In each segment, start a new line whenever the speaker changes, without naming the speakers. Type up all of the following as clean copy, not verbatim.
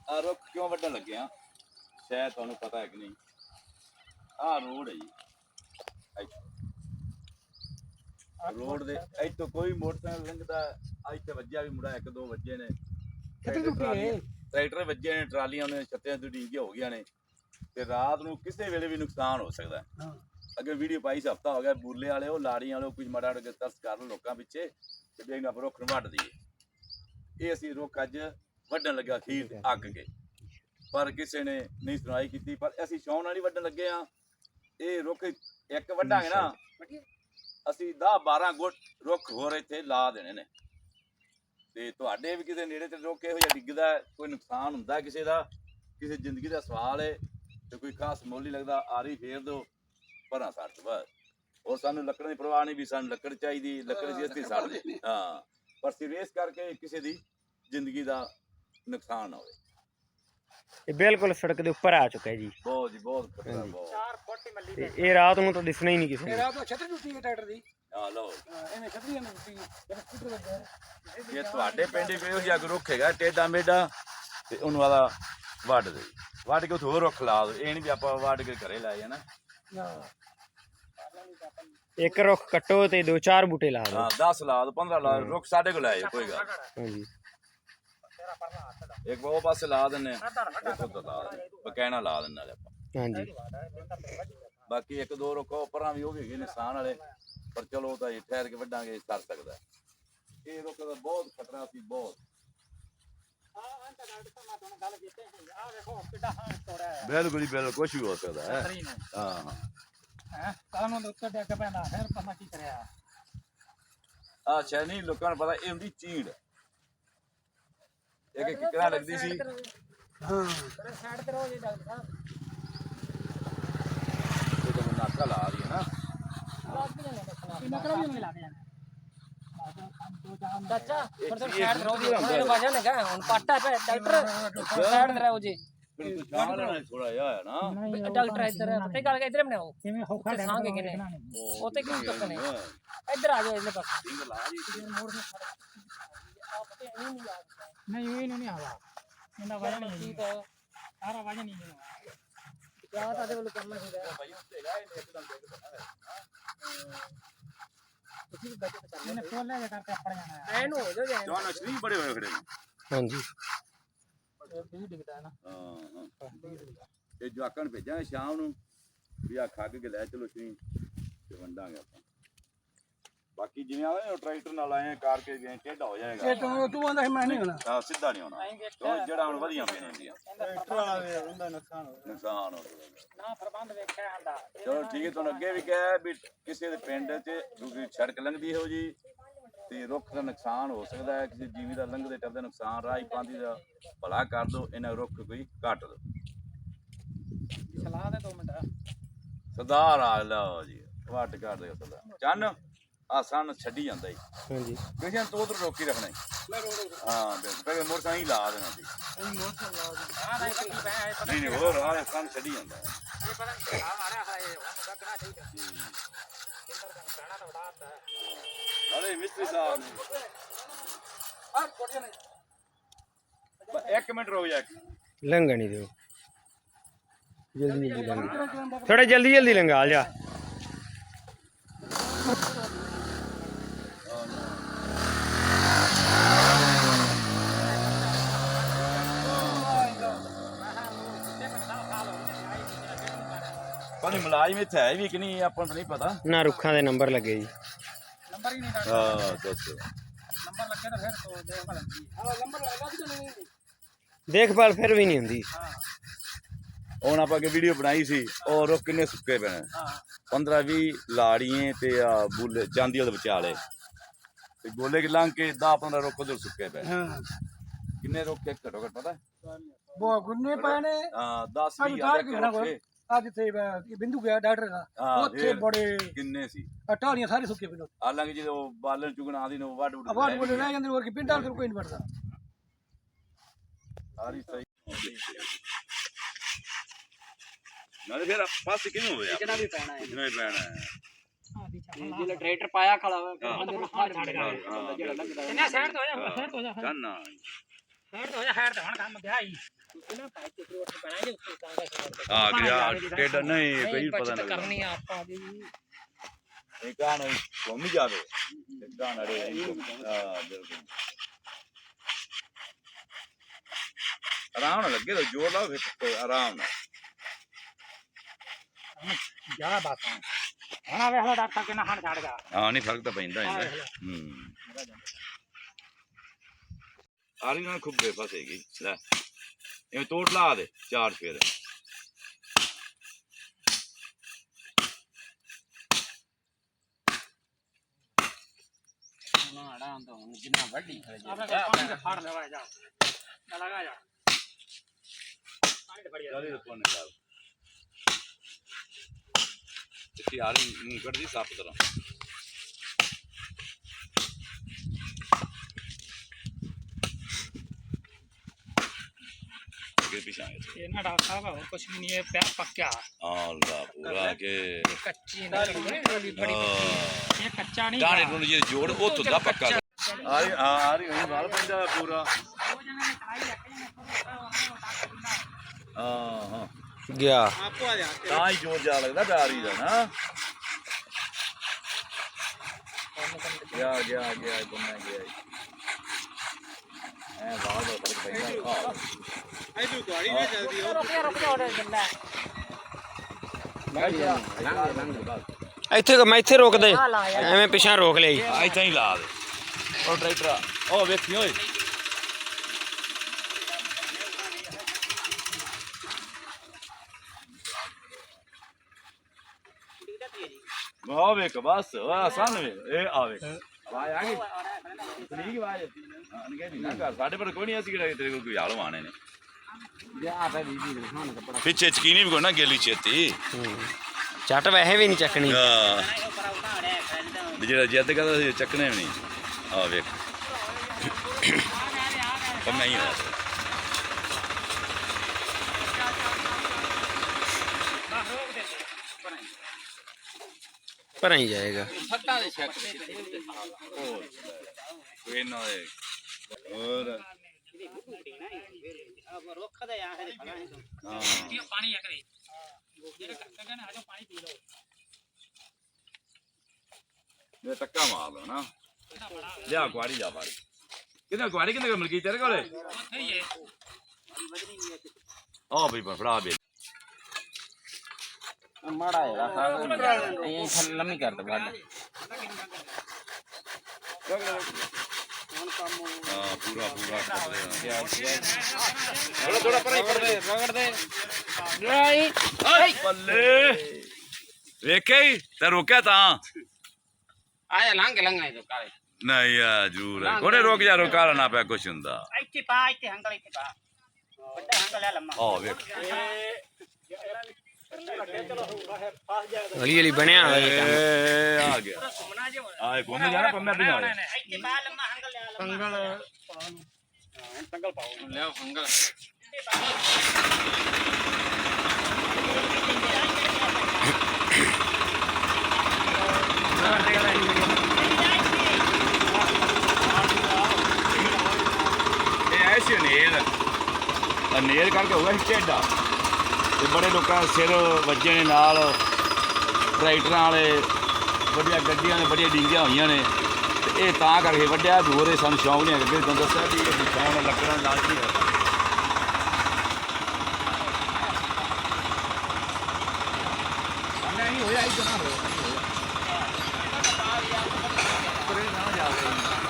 ਆ ਰੁੱਖ ਕਿਉਂ ਵੱਢਣ ਲੱਗੇ ਆ ਸ਼ਾਇਦ ਤੁਹਾਨੂੰ ਪਤਾ ਹੈ ਕਿ ਨਹੀਂ। ਆਹ ਰੋਡ ਹੈ ਜੀ, ਰੋਡ ਦੇ ਇੱਥੋਂ ਕੋਈ ਮੋਟਰਸਾਈਕਲ ਲੰਘਦਾ, ਇੱਥੇ ਵੱਜਿਆ ਵੀ ਮੁੰਡਾ, ਇੱਕ ਦੋ ਵੱਜੇ ਨੇ, ਟਰੈਕਟਰ ਵੱਜੇ ਨੇ, ਟਰਾਲੀਆਂ ਨੇ ਛੱਤਿਆਂ ਤੋਂ ਡੀਂਗੀਆਂ ਹੋ ਗਈਆਂ ਨੇ, ਤੇ ਰਾਤ ਨੂੰ ਕਿਸੇ ਵੇਲੇ ਵੀ ਨੁਕਸਾਨ ਹੋ ਸਕਦਾ। ਅੱਗੇ ਵੀਡੀਓ ਪਾਈ ਸੀ, ਹਫ਼ਤਾ ਹੋ ਗਿਆ, ਬੂਲੇ ਵਾਲੇ ਉਹ ਲਾੜੀਆਂ ਵਾਲੇ ਕੁਝ ਮਾੜਾ ਤਰਸ ਕਰ ਲਓ ਲੋਕਾਂ ਪਿੱਛੇ ਤੇ ਦੇਖ ਆਪਾਂ ਰੁੱਖ ਨੂੰ ਵੱਢ ਦਈਏ। ਇਹ ਅਸੀਂ ਰੁੱਖ ਅੱਜ ਵੱਢਣ ਲੱਗਾ ਅਖੀਰ ਤੇ ਅੱਕ ਕੇ, ਪਰ ਕਿਸੇ ਨੇ ਨਹੀਂ ਸੁਣਾਈ ਕੀਤੀ। ਪਰ ਅਸੀਂ ਸ਼ੌਂਕ ਨਾਲ ਹੀ ਵੱਢਣ ਲੱਗੇ ਆ। ਇਹ ਰੁੱਖ ਇੱਕ ਵੱਢਾਂਗੇ ਨਾ, ਅਸੀਂ 10-12 ਗੁੱਟ ਰੁੱਖ ਹੋਰ ਇੱਥੇ ਲਾ ਦੇਣੇ ਨੇ। ਤੇ ਤੁਹਾਡੇ ਵੀ ਕਿਸੇ ਨੇੜੇ ਤੇ ਰੁੱਖ ਇਹੋ ਜਿਹਾ ਡਿੱਗਦਾ, ਕੋਈ ਨੁਕਸਾਨ ਹੁੰਦਾ ਕਿਸੇ ਦਾ, ਕਿਸੇ ਜ਼ਿੰਦਗੀ ਦਾ ਸਵਾਲ ਹੈ ਤੇ ਕੋਈ ਖਾਸ ਮੁੱਲ ਨਹੀਂ ਲੱਗਦਾ, ਆਰੀ ਫੇਰ ਦਿਓ ਪਰਾਂ ਸੱਟ ਬਸ। ਹੋਰ ਸਾਨੂੰ ਲੱਕੜ ਦੀ ਪਰਵਾਹ ਨਹੀਂ ਵੀ ਸਾਨੂੰ ਲੱਕੜ ਚਾਹੀਦੀ, ਲੱਕੜ ਸੀ ਅਸੀਂ ਸੜ ਦੇ। ਹਾਂ, ਪਰ ਸੀਰੀਅਸ ਕਰਕੇ ਕਿਸੇ ਦੀ ਜ਼ਿੰਦਗੀ ਦਾ ਨੁਕਸਾਨ ਨਾ ਹੋਵੇ।
ਇਹ ਬਿਲਕੁਲ ਸੜਕ ਦੇ ਉੱਪਰ ਆ ਚੁੱਕਾ ਹੈ ਜੀ।
ਬਹੁਤ ਜੀ ਬਹੁਤ ਖਤਰਾ, ਬਹੁਤ।
4 ਫੁੱਟ ਹੀ ਮੱਲੀ
ਤੇ ਇਹ ਰਾਤ ਨੂੰ ਤਾਂ ਦਿਸਣਾ ਹੀ ਨਹੀਂ ਕਿਸੇ ਨੂੰ।
ਰਾਤ ਨੂੰ ਛਤਰੀ ਟੁੱਟੀ ਹੈ ਟਰੈਕਟਰ ਦੀ।
ਹਾਂ ਲਓ,
ਇਹਨੇ ਛਤਰੀ ਨੂੰ ਟੁੱਟੀ, ਜਦ ਸਕੂਟਰ ਵੱਜਾ।
ਇਹ ਤੁਹਾਡੇ ਪਿੰਡ ਵੀ ਇਹੋ ਜਿਹਾ ਰੁੱਖ ਹੈਗਾ ਟੇਡਾ ਮੇਡਾ, ਤੇ ਉਹਨੂੰ ਵਾਲਾ ਵੱਢ ਦੇ, ਵੱਢ ਕੇ ਉੱਥੇ ਹੋਰ ਰੁੱਖ ਲਾ ਦੋ। ਇਹ ਨਹੀਂ ਵੀ ਆਪਾਂ ਵੱਢ ਕੇ ਘਰੇ ਲੈ ਜਾਣਾ।
ਇੱਕ ਰੁੱਖ ਕੱਟੋ ਤੇ 2-4 ਬੂਟੇ ਲਾ ਦਿਓ।
ਹਾਂ 10 ਲਾ ਦੋ, 15 ਲਾ ਦੋ, ਰੁੱਖ ਸਾਡੇ ਕੋਲ ਲੈ ਜਾਓ, ਕੋਈ ਗੱਲ।
ਹਾਂਜੀ,
ਇੱਕ ਉਹ ਪਾਸੇ ਲਾ ਦਿੰਨੇ, ਇੱਕ ਉੱਧਰ ਲਾ ਦਿੰਨੇ, ਬਕੈਣਾ ਲਾ ਦਿੰਨੇ ਨਾਲੇ ਆਪਾਂ।
ਹਾਂਜੀ,
ਬਾਕੀ ਇੱਕ ਦੋ ਰੁੱਖ ਉੱਪਰਾਂ ਵੀ ਉਹ ਵੀ ਹੈਗੇ ਨੁਕਸਾਨ ਵਾਲੇ, ਪਰ ਚਲੋ ਉਹ ਤਾਂ ਠਹਿਰ ਕੇ ਵੱਢਾਂਗੇ, ਸਰ ਸਕਦਾ। ਇਹ ਰੁੱਖ ਦਾ ਬਹੁਤ ਖਤਰਾ ਸੀ, ਬਹੁਤ। ਬਿਲਕੁਲ ਹੀ ਬਿਲਕੁਲ, ਕੁਛ ਵੀ ਹੋ ਸਕਦਾ ਹੈ। ਹਾਂ
ਕਾਨੂੰਨ ਦੇ ਉੱਤੇ ਡਿੱਗ ਪੈਂਦਾ, ਫਿਰ ਪਤਾ ਕੀ ਕਰਿਆ।
ਆ ਸ਼ਾਇਦ ਨਹੀਂ ਲੋਕਾਂ ਨੂੰ ਪਤਾ, ਇਹ ਹੁੰਦੀ ਚੀੜ। ਇੱਕ ਕਿਕਰਾਂ ਲੱਗਦੀ ਸੀ।
ਹਾਂ ਸਾਈਡ ਤੇ ਰਹੋ ਜੀ ਡਾਕਟਰ ਸਾਹਿਬ।
ਇਹ ਤਾਂ ਨਾਕਾ ਲਾ ਰਹੀ ਹੈ ਨਾ।
ਨਕਰਾ ਵੀ ਨਹੀਂ ਲਾ ਕੇ ਜਾਣਾ ਚਾਚਾ, ਪਰ ਸਾਈਡ ਤੇ ਰਹੋ ਜੀ। ਇਹਨੂੰ ਵਜਾ ਲਗਾ ਹੁਣ ਪਾਟਾ ਪੈ ਡਾਕਟਰ, ਸਾਈਡ ਤੇ ਰਹੋ ਜੀ।
ਥੋੜਾ ਜਿਹਾ ਹੈ ਨਾ
ਡਾਕਟਰ ਇੱਧਰ ਪਤਾ ਗੱਲ ਕਿ ਇੱਧਰ ਬਣਾਓ, ਕਿਵੇਂ ਹੋਖਾ ਸਾਂਗੇ ਕਿਨੇ ਉੱਤੇ ਕੀ ਚੱਕਣੇ। ਇੱਧਰ ਆ ਜਾਓ, ਇਹਦੇ ਪਾਸੇ
ਸਿੰਘ ਲਾ ਜੀ।
ਨਹੀਂ ਇਹ ਨਹੀਂ ਆਵਾ, ਇਹਦਾ ਵਜਨ ਨਹੀਂ ਹੈ, ਸਾਰਾ ਵਜਨ ਨਹੀਂ ਹੈ। ਕਿਆ ਤੁਹਾਡੇ ਵੱਲੋਂ ਕਰਨਾ ਚਾਹੀਦਾ
ਭਾਈ ਉੱਤੇ ਹੈਗਾ, ਇਹਨੇ ਇੱਕਦਮ ਡਿੱਗ ਪੈਣਾ ਹੈ।
ਤੁਸੀਂ ਬਜਟ ਕਰ ਲੈਣੇ, ਫੋਨ ਲੈ ਕਰਕੇ ਆਪੜ ਜਾਣਾ ਹੈ। ਐਨ ਹੋ ਜਾਓ ਜੈਨ
ਜਵਾਨ ਅਸ਼ਰੀ ਬੜੇ ਹੋਏ ਖੜੇ ਨੇ।
ਹਾਂਜੀ,
ਵੀ ਡਿੱਗਦਾ ਹੈ ਨਾ।
ਹਾਂ ਤੇ ਜਵਾਕਾਂ ਨੂੰ ਭੇਜਾਂਗੇ ਸ਼ਾਮ ਨੂੰ ਵੀ ਆ ਖੱਗ ਕੇ ਲੈ ਚਲੋ ਸ਼ਰੀ ਤੇ ਵੰਡਾਂਗੇ ਆਪਾਂ। ਬਾਕੀ ਜਿਵੇਂ ਆਵੇ ਟਰੈਕਟਰ ਨਾਲ ਆਏ ਕਾਰ ਕੇ ਗਏ ਟੇਢਾ ਹੋ ਜਾਏਗਾ।
ਇਹ ਤੂੰ ਆਂਦਾ ਮੈਂ ਨਹੀਂ ਹੋਣਾ।
ਹਾਂ ਸਿੱਧਾ ਨਹੀਂ ਹੋਣਾ, ਜਿਹੜਾ ਹੁਣ ਵਧੀਆ ਪਈਆਂ ਹੁੰਦੀਆਂ
ਟਰੈਕਟਰ ਵਾਲਾ ਵੇ ਉਹਦਾ ਨੁਕਸਾਨ ਹੋ
ਨੁਕਸਾਨ ਹੋ
ਨਾ ਪ੍ਰਬੰਧ ਵੇਖਿਆ ਹੁੰਦਾ।
ਚਲੋ ਠੀਕ ਹੈ। ਤੁਹਾਨੂੰ ਅੱਗੇ ਵੀ ਕਿਹਾ ਵੀ ਕਿਸੇ ਦੇ ਪਿੰਡ 'ਚ ਦੂਜੀ ਸੜਕ ਲੰਘਦੀ ਹੋ ਜੀ ਤੇ ਰੁੱਖ ਦਾ ਨੁਕਸਾਨ ਹੋ ਸਕਦਾ ਹੈ, ਕਿਸੇ ਜੀਵੀ ਦਾ ਲੰਘਦੇ ਟੱਪਦੇ ਨੁਕਸਾਨ, ਰਾਹੀ ਪਾਂਦੀ ਦਾ ਭਲਾ ਕਰ ਦਿਓ, ਇਹਨਾਂ ਰੁੱਖ ਕੋਈ ਕੱਟ ਦਿਓ।
ਸਲਾਹ ਦੇ 2 ਮਿੰਟ
ਸਰਦਾਰ ਆ ਲਓ ਜੀ, ਵੱਟ ਕਰ ਦਿਓ ਸਰਦਾਰ। ਚੰਨ ਆ ਸਨ ਛੱਡੀ ਜਾਂਦਾ ਜੀ।
ਹਾਂਜੀ,
ਕਿਸੇ ਤੋਂ ਉਧਰ ਰੋਕੀ ਰੱਖਣਾ ਜੀ। ਹਾਂ ਬਿਲਕੁਲ, ਮੋਟਰਸਾਈਕਲ ਲਾ ਦੇਣਾ ਜੀ। ਨਹੀਂ ਨਹੀਂ ਹੋਰ ਆ ਸਨ ਛੱਡੀ ਜਾਂਦਾ ਹੈ। ਅਰੇ ਮਿਸਤਰੀ ਸਾਹਿਬ ਨੇ 1 ਮਿੰਟ ਰੁਕ ਜਾ।
ਲੰਘਣ ਨਹੀਂ ਦਿਓ, ਜਲਦੀ ਜਲਦੀ ਲੰਘ, ਥੋੜਾ ਜਲਦੀ ਜਲਦੀ ਲੰਘਾ ਜਾ।
ਪਰ ਮੁਲਾਜ਼ਮ ਇੱਥੇ ਹੈ ਵੀ ਕਿ ਨਹੀਂ ਆਪਾਂ ਨੂੰ ਨਹੀਂ ਪਤਾ
ਨਾ, ਰੁੱਖਾਂ ਦੇ ਨੰਬਰ ਲੱਗੇ ਜੀ।
ਨੰਬਰ ਹੀ ਨਹੀਂ
ਹਾਂ ਦੱਸੋ।
ਨੰਬਰ ਲੱਗੇ ਤਾਂ ਫਿਰ ਤੋਂ ਦੇਖ ਲੈਂਦੀ। ਹਾਂ ਨੰਬਰ ਲੱਗਾ ਕਿ ਨਹੀਂ?
ਦੇਖਭਾਲ ਫਿਰ ਵੀ ਨਹੀਂ ਹੁੰਦੀ।
ਹਾਂ
ਹੁਣ ਆਪਾਂ ਅੱਗੇ ਵੀਡੀਓ ਬਣਾਈ ਸੀ, ਉਹ ਰੁੱਖ ਕਿੰਨੇ ਸੁੱਕੇ ਪਏ ਨੇ।
ਹਾਂ
15-20 ਲਾੜੀਆਂ ਤੇ ਆ ਬੁੱਲੇ ਚਾਂਦੀ ਵਾਲੇ ਵਿਚਾਲੇ ਤੇ ਗੋਲੇ ਕਿ ਲੰਘ ਕੇ 10-15 ਰੁੱਖ ਉਧਰ ਸੁੱਕੇ ਪਏ।
ਹਾਂ
ਕਿੰਨੇ ਰੁੱਖ ਘੱਟੋ ਘੱਟ ਪਤਾ?
ਬਹੁਤ ਗੁੰਨੇ ਪਏ ਨੇ।
ਹਾਂ 10-20
ਅੱਜ ਤੇ ਬਿੰਦੂ ਗਿਆ ਡਾਕਟਰ ਦਾ, ਉੱਥੇ ਬੜੇ
ਕਿੰਨੇ ਸੀ
ਟਾਹਲੀਆਂ ਸਾਰੇ ਸੁੱਕੇ ਪਏ ਨੇ।
ਹਾਲਾਂਕਿ ਜਦੋਂ ਬਾਲਣ ਚੁਗਣ ਆਦੀ ਨੂੰ ਵੱਢ
ਆਵਾਜ਼ ਬੋਲੇ ਰਹਿ ਜਾਂਦੇ, ਹੋਰ ਕੀ ਪਿੰਡਾਂ ਤੋਂ ਕੋਈ ਨਹੀਂ ਵੜਦਾ।
ਸਾਰੀ ਸਹੀ ਨਾਲੇ ਫਿਰ ਪਾਸ ਕਿਵੇਂ ਹੋਇਆ?
ਜਿਹੜਾ ਵੀ ਪੈਣਾ ਹੈ,
ਜਿਹੜਾ ਵੀ ਪੈਣਾ ਹੈ।
ਜਿਹੜਾ ਟਰੈਕਟਰ ਪਾਇਆ ਖੜਾ ਹੋਇਆ ਅੰਦਰ ਫਾੜ ਛੱਡ ਗਿਆ ਜਿਹੜਾ ਲੱਗਦਾ। ਕਿੰਨਾ ਸਾਈਡ ਤੋਂ ਹੋ ਜਾ, ਸਾਈਡ ਤੋਂ ਹੋ ਜਾ,
ਚੰਨਾ
ਸਾਈਡ ਤੋਂ ਹੋ ਜਾ, ਸਾਈਡ ਤੇ ਹੁਣ ਕੰਮ ਗਿਆ ਹੀ।
ਹਾਂ ਗਿਆ ਟੇਡਾ ਨਹੀਂ ਕੋਈ ਪਤਾ ਨਹੀਂ
ਕਰਨੀ ਆ ਆਪਾਂ ਦੀ
ਇਹ ਕਾਨ ਘੁੰਮ ਜਾਵੇ ਕਾਨ ਅੜੇ ਹਾਂ ਬਿਲਕੁਲ ਆਰਾਮ ਨਾਲ ਲੱਗੇ ਤਾਂ ਜੋਰ ਲਾਓ ਫਿਰ ਆਰਾਮ ਨਾਲ
ਜ਼ਿਆਦਾ ਬਾਤ ਹੁਣ ਵੇਖ ਲੋ ਡਾਕਟਰ ਕਿੰਨਾ ਹਣ ਛੱਡ ਗਿਆ
ਹਾਂ ਨਹੀਂ ਫਰਕ ਤਾਂ ਪੈਂਦਾ ਇਹਦਾ ਆਰੀ ਨਾਲ ਖੁੱਬੇ ਫਸੇਗੀ ਲੈ ਇਹ ਤੋੜ ਲਾ ਦੇ ਚਾਰ ਫੇਰ
ਜਿੰਨਾ ਵੱਡੀ
ਪਾਣੀ ਦੇ ਫੜ ਲਵਾ ਜਾ ਲਗਾ ਜਾ ਪਾਣੀ ਫੜ ਜਾ
ਤੇ ਆਰੀ ਨੂੰ ਕੱਢਦੀ ਸਾਫ ਤਰ੍ਹਾਂ
ये ना डॉक्टर साहब और कुछ भी नहीं है प्यार पक्का
अल्लाह पूरा के
ये कच्ची नहीं बड़ी ये कच्चा नहीं
गाने ਨੂੰ ਜੇ ਜੋੜ ਉਹ ਤੁਦਾ ਪੱਕਾ ਆ ਰਹੀ ਹੁਣ ਨਾਲ ਪੈਂਦਾ ਪੂਰਾ ਹਾਂ
ਗਿਆ
आपको आ जाते
ਤਾਂ ਹੀ ਜੋਰ ਜਾ ਲੱਗਦਾ ਡਾਰੀ ਦਾ ਨਾ ਗਿਆ ਬੰਨਾ ਗਿਆ ਐ ਬਾਹਰ ਦਾ ਫਰਕ ਪੈਂਦਾ
आई तू गाड़ी में जल्दी हो रुक जा ऑर्डर करना
ਇੱਥੇ ਮੈਂ ਇੱਥੇ ਰੋਕ ਦੇ ਐਵੇਂ ਪਿਛਾਂ ਰੋਕ ਲਈ
ਇੱਥੇ ਹੀ ਲਾ ਦੇ ਉਹ ਟਰੈਕਟਰ ਉਹ ਵੇਖੀ ਓਏ ਉਹ ਵੇਖ ਬਸ ਆ ਸਾਹਮਣੇ ਇਹ ਆਵੇ ਆਵਾਜ਼ ਆ ਗਈ ਠੀਕ ਆਵਾਜ਼ ਅਨਗੇ ਨਹੀਂ ਨਾ ਕਰ ਸਾਡੇ ਪਰ ਕੋਈ ਨਹੀਂ ਅਸੀਂ ਕਿਹੜਾ ਤੇਰੇ ਕੋਲ ਕੋਈ ਹਾਲ ਵਾਣੇ ਨੇ ਪਿੱਛੇ ਚਕੀਨੀ ਵੀ ਕੋਈ ਨਾ ਗੇਲੀ ਛੇਤੀ
ਚੱਟ ਵੈਸੇ ਵੀ ਨਹੀਂ ਚੱਕਣੀ
ਜਿਹੜਾ ਜਿੱਦ ਕਰਦਾ ਸੀ ਚੱਕਣੇ ਵੀ ਨਹੀਂ ਆ ਵੇਖ ਪੰਮਾ ਹੀ ਆ
ਭਰਾਂ ਹੀ ਜਾਏਗਾ
फट्टा दे शक
ਕੋਈ ਨਾ ਹੋਰ
अब रोक दे यहां से खड़ा है
ਹਾਂ
पानी है करे जेरे कक्का ने आजो पानी पी लो
ਇਹ ਟੱਕਾ ਮਾਰ ਲਓ ਨਾ ਲਿਆ ਕੁਆੜੀ ਜਾ ਬਾੜੀ ਕਿਹਨੇ ਕੁਆੜੀ ਕਿਹਨੇ ਮਿਲ ਗਈ ਤੇਰੇ ਕੋਲੇ
ਉੱਥੇ ਹੀ ਹੈ
ਆ ਬਈ ਫੜਾ ਬੇ
ਮਾੜਾ ਹੈ ਇਹ ਥੱਲੇ ਲੰਮੀ ਕਰ ਦੇ ਵੱਡ
ਹਾਂ ਪੂਰਾ
ਥੋੜਾ ਪਰੇ ਰਗੜ ਦੇ
ਆਈ ਬੱਲੇ ਵੇਖੇ ਤੇ ਰੋਕਿਆ ਤਾਂ
ਆਇਆ ਲੰਘ ਇਹ ਕਾਲੇ
ਨਹੀਂ ਆ ਜੂਰ ਕੋਨੇ ਰੋਕ ਜਾ ਰੋਕਾ ਨਾ ਪਿਆ ਕੁਛ ਹੁੰਦਾ
ਇੱਥੇ ਪਾ ਇੱਥੇ ਹੰਗਲ ਇੱਥੇ ਪਾ ਵੱਡਾ ਹੰਗਲ ਹੈ ਲੰਮਾ
ਆ ਵੇਖ
ਹਲੀ ਬਣਿਆ ਹੋਇਆ
ਆ ਗਿਆ ਆ ਘੁੰਮ ਜਾਣਾ ਪੰਮੇ ਵੀ ਨਾਲ
ਇੱਥੇ ਪਾ ਲੰਮਾ ਹੰਗਲ ਲਿਆ ਹੰਗਲ ਪਾਓ
ਲਿਆ ਹੰਗਲ
ਇਹ ਐਸੇ ਨੇਲ ਕਰਕੇ ਹੋਇਆ ਟੇਡਾ ਤੇ ਬੜੇ ਲੋਕਾਂ ਦੇ ਸਿਰ ਵੱਜੇ ਨੇ ਨਾਲ ਟਰੈਕਟਰਾਂ ਵਾਲੇ ਵੱਡੀਆਂ ਗੱਡੀਆਂ ਨੇ ਬੜੀਆਂ ਡਿੰਗੀਆਂ ਹੋਈਆਂ ਨੇ ਤੇ ਇਹ ਤਾਂ ਕਰਕੇ ਵੱਡਿਆ ਦੂਰੇ ਸਾਨੂੰ ਸ਼ੌਂਕ ਨਹੀਂ ਹੈਗਾ ਕਿ ਤੁਹਾਨੂੰ ਦੱਸਿਆ ਵੀ ਇਹ ਸ਼ੌਂਕ ਲੱਕੜਾਂ ਲਾਜ਼ਮੀ ਹੈ ਨਹੀਂ ਹੋਇਆ ਇਹ ਜਨਾ ਹੋਇਆ ਪਰੇ ਨਾ ਜਾਵੇ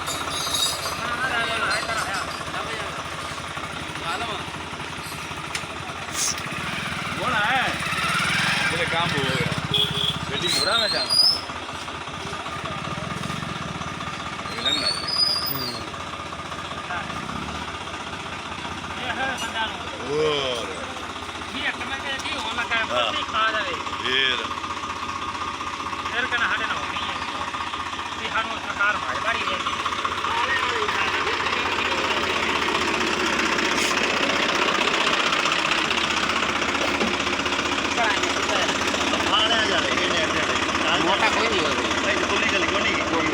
बोला है मेरे काम हो गया बेटी मुड़ा में जाना लगना और
ये कमे के की हो लगा है खा जावे फिर कना हटे ना होनी है कि हानो सरकार भाई बाड़ी है
मोटा कोई नहीं होगा
गोली चली गोली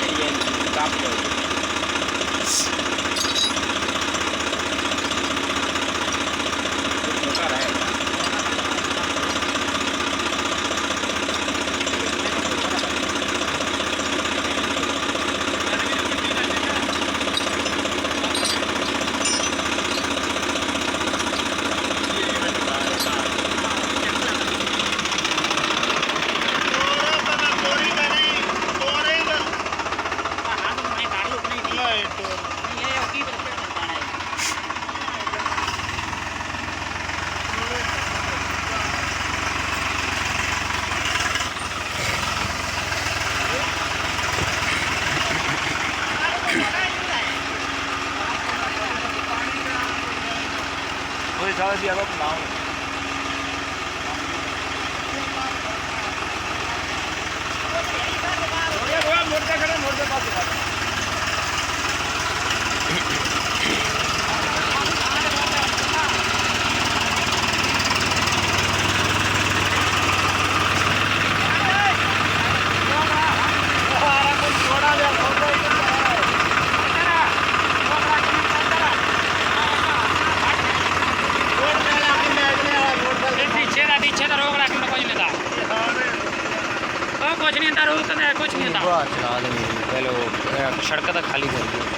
ये काम किया छोटा रहेगा
सारा दिया तो बनाओ मोड़ पास
कुछ नहीं था
चला देंगे पहले वो सड़क तक खाली कर दिया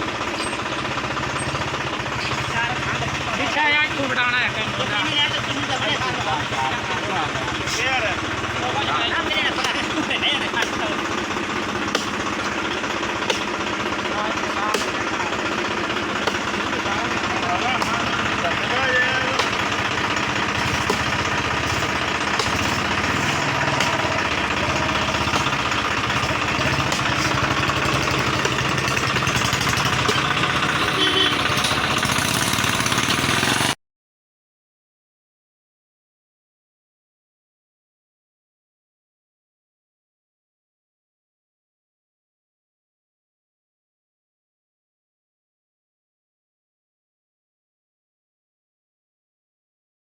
पीछे यार तू बिठाना है